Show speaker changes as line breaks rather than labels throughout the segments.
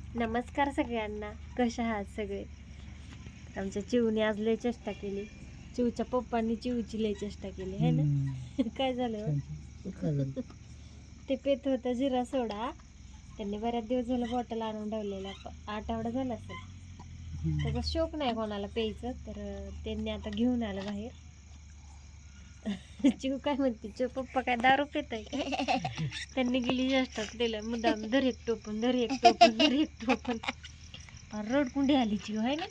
नमस्कार सगळ्यांना, कशा आहात सगळे. आमच्या चिवने आज लय चेष्टा केली. चिवच्या पप्पांनी चिवची लय चेष्टा केली है ना. काय झालं ते पेत होतं जिरा सोडा. त्यांनी बऱ्याच दिवस झालं बॉटल आणून ठेवलेला, आठवडा झाला असेल. त्याचा शौक नाही कोणाला प्यायचं, तर त्यांनी आता घेऊन आलं बाहेर. चिव काय म्हणते, चिव पप्पा काय दारू पित आहे. त्यांनी गेली जास्त दिलं मुद्दाम, धर एक टोपण, धर एक टोपण, धर एक टोपण. रडकुंडी आली चिव आहे ना.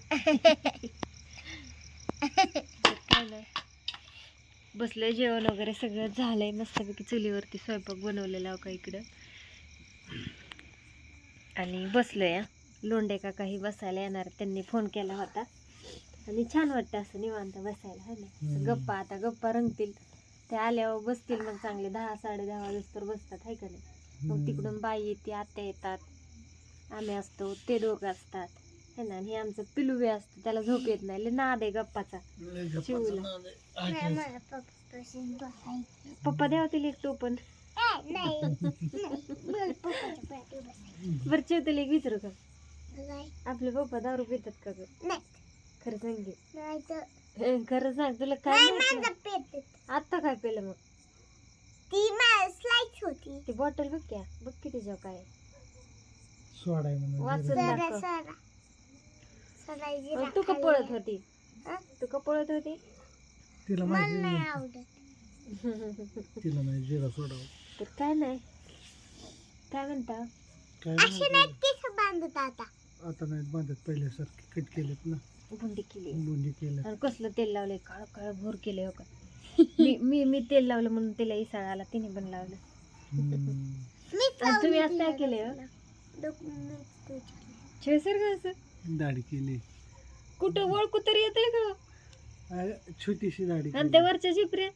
काय नाही, बसलंय, जेवण वगैरे सगळं झालंय. मस्तपैकी चुलीवरती स्वयंपाक बनवलेला का इकडं, आणि बसलोय. लोंढे काकाही बसायला येणार, त्यांनी फोन केला होता. आणि छान वाटतं असं निवांत बसायला है ना. गप्पा आता गप्पा रंगतील, ते आल्यावर बसतील मग चांगले 10 10:30 वाजता बसतात आहे का नाही. मग तिकडून बाई येते, आत्या येतात, आम्ही असतो, ते दोघं असतात है ना. आणि हे आमचं पिलू बी असतं, त्याला झोप येत नाही, लय नाद आहे गप्पाचा चिवला. पप्पा द्यावा तिला एक टोपण. बरं चिव तिला एक विचारू का, आपले पप्पा दारू पितात का ग? खरं सांग की, खरं सांग, तुला काय आता काय पेलं मग? ती बॉटल बघ क्या, बघ की तिच्या काय वाचून दाखव. तू का पळत होती, तू का पळत होती?
तिला नाही जिरा सोडा.
तर काय नाही, काय म्हणता,
आता नाही बांधत, पहिल्यासारखे कट केलेत ना,
बुंदी केली.
बुंदी केलं.
आणि कसलं तेल लावलंय, काळ काळ भोर केलंय हो का. मी तेल लावलं म्हणून तिला इसळ आला, तिने पण लावलं. आणि तुम्ही आज काय केलंय असं
दाढी केली,
कुठं ओळखू तरी येते का?
छोटीशी दाढी.
आणि त्या वरच्या जिपऱ्या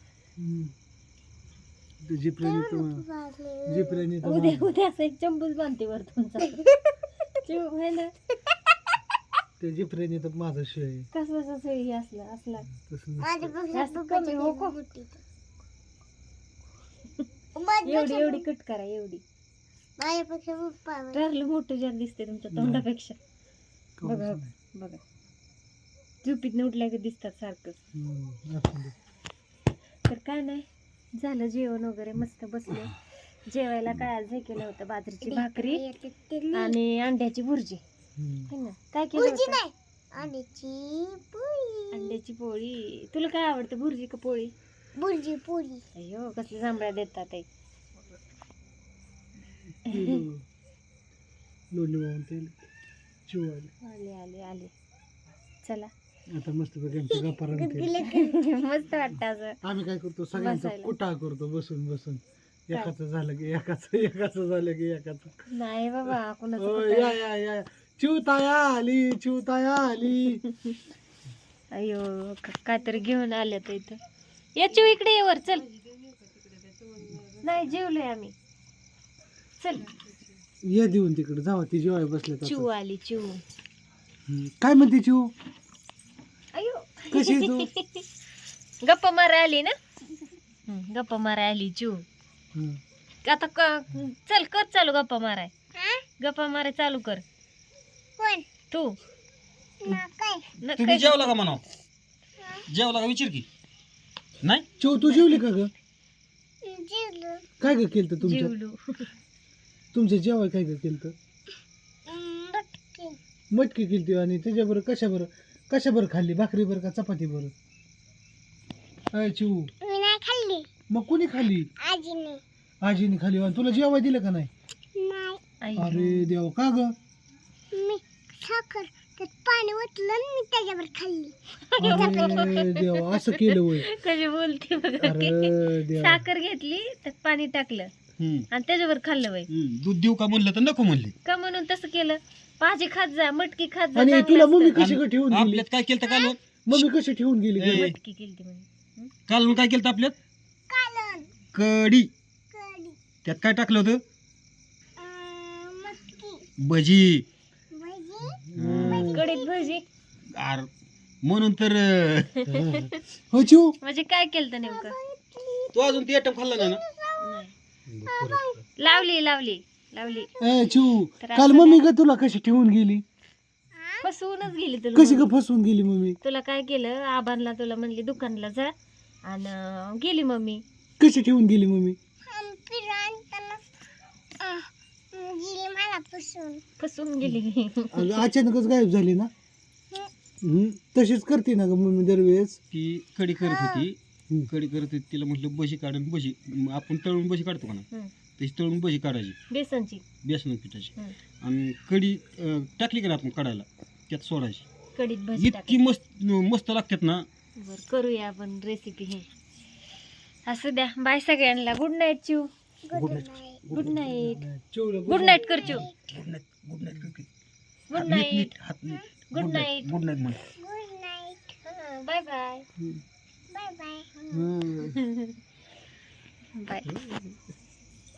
जिपऱ्याने
उद्या असं एक चंबूच बांधते वर तुमचा चिव है ना.
त्या जिपऱ्याने तर माझा शिवाय
कसं सोयी असला असला
तसं
कमी हो को. एवढी एवढी कट करा, एवढी ठरलं मोठं जास्त दिसते तुमच्या तोंडापेक्षा. बघा बघा, झोपीत उठल्या की दिसतात सारखं. तर काय नाही, झालं जेवण वगैरे, मस्त बसले. जेवायला काय आज हे केलं होतं, बाजरीची भाकरी आणि अंड्याची भुर्जी है ना. काय केलं होतं? अंड्याची पोळी. तुला काय आवडतं, भुर्जी का पोळी?
भुर्जी पोळी.
अयो कसल्या जांभळ्या देतात ते. आले आले आले, चला
आता मस्त पैकी गप्पा
मस्त वाटतं असं.
आम्ही काय करतो, सगळ्यांचा कुटाळ करतो बसून बसून. एकाचं झालं की एकाचं झालं की एकाचं.
नाही बाबा,
या या या, चिवताया आली, चिवताया आली.
अयो काहीतरी घेऊन आले तर इथं. या चिव इकडे ये वर, चल. नाही जेवलोय आम्ही, चल.
ये देऊन तिकडे जावा, ती जेवाय बसले.
चिव आली, चिव.
काय म्हणते चिव,
अयो
कशी आहे तू?
गप्पा मारा आली ना. गप्पा मारा आली चिव. आता चल कर चालू गप्पा माराय. गप्पा माराय चालू कर. तू
तुम्ही जेवला का म्हणा, जेवला का विचार की. नाही
चिव तू जेवली का ग? काय ग केलं तुमच्या
जेवलो.
तुमच्या जेवाय काय ग केलं? मटकी केली. आणि त्याच्याबरोबर कशाबरोबर खाल्ली, भाकरी बरं का चपाती बरं? काय चिव,
खाल्ली.
मग कोणी खाल्ली? आजीने खाल्ली. आणि तुला जेवाय दिलं का नाही? अरे देव, का ग?
मी साखर त्यात पाणी ओतलं, मी त्याच्यावर खाल्ली.
अरे देव, असं केलं होय?
कशी बोलते बघा.
अरे देव,
साखर घेतली, त्यात पाणी टाकलं आणि त्याच्यावर खाल्लं वय.
दूध देऊ का म्हणलं तर नको म्हणले.
का म्हणून तसं केलं? भाजी खात जा, मटकी खात जा.
आणि
चांगलं
तुला
असतं.
मम्मी कशी ग ठेवून गेली?
आपल्यात काय केलं काल,
मम्मी कशी ठेवून गेली ग?
मटकी केली म्हणून.
काल काय केलं आपल्यात?
कालन
कढी.
कढी,
त्यात काय टाकलं होतं?
मटकी,
भजी.
भजी,
कढीत भजी.
म्हणून तर
हो चिव,
म्हणजे काय केलं नेमकं?
तू अजून ती आयटम खाल्ला नाही ना?
नाही. लावली लावली लावली
ए चिऊ
तर
काल
असं
मम्मी का तुला कशी ठेवून गेली
फसवूनच गेली तुला
कशी
मम्मी.
का फसवून गेली मम्मी
तुला काय केलं आबांना तुला म्हणली दुकानला जा आणि गेली मम्मी.
कशी ठेवून गेली मम्मी
फिरताना गेली मला पुसून.
फसवून गेली.
अगं, अचानकच गायब झाली ना तशीच करते ना ग मम्मी दरवेळेस
ती कडी करत होती कडी करत होती तिला म्हटलं बशी काढून बशी आपण तळून बशी काढतो का ना
हम्म.
तशी तळून बशी काढायची
बेसनची
बेसन पिठाची
हम्म.
आणि कडी टाकली का ना आपण काढायला त्यात सोडायची
कडीत भजी
इतकी मस्त मस्त लागतात ना.
बर करूया आपण रेसिपी हे. असू द्या बाय सगळ्यांना. Good night Chiv.
Good night
good night.
चिवला
गुड नाईट कर Chiv.
Good night good night
good night.
हात नीट
गुड नाईट.
गुड नाईट म्हण.
Good night.
Bye bye.
Bye bye.
Bye.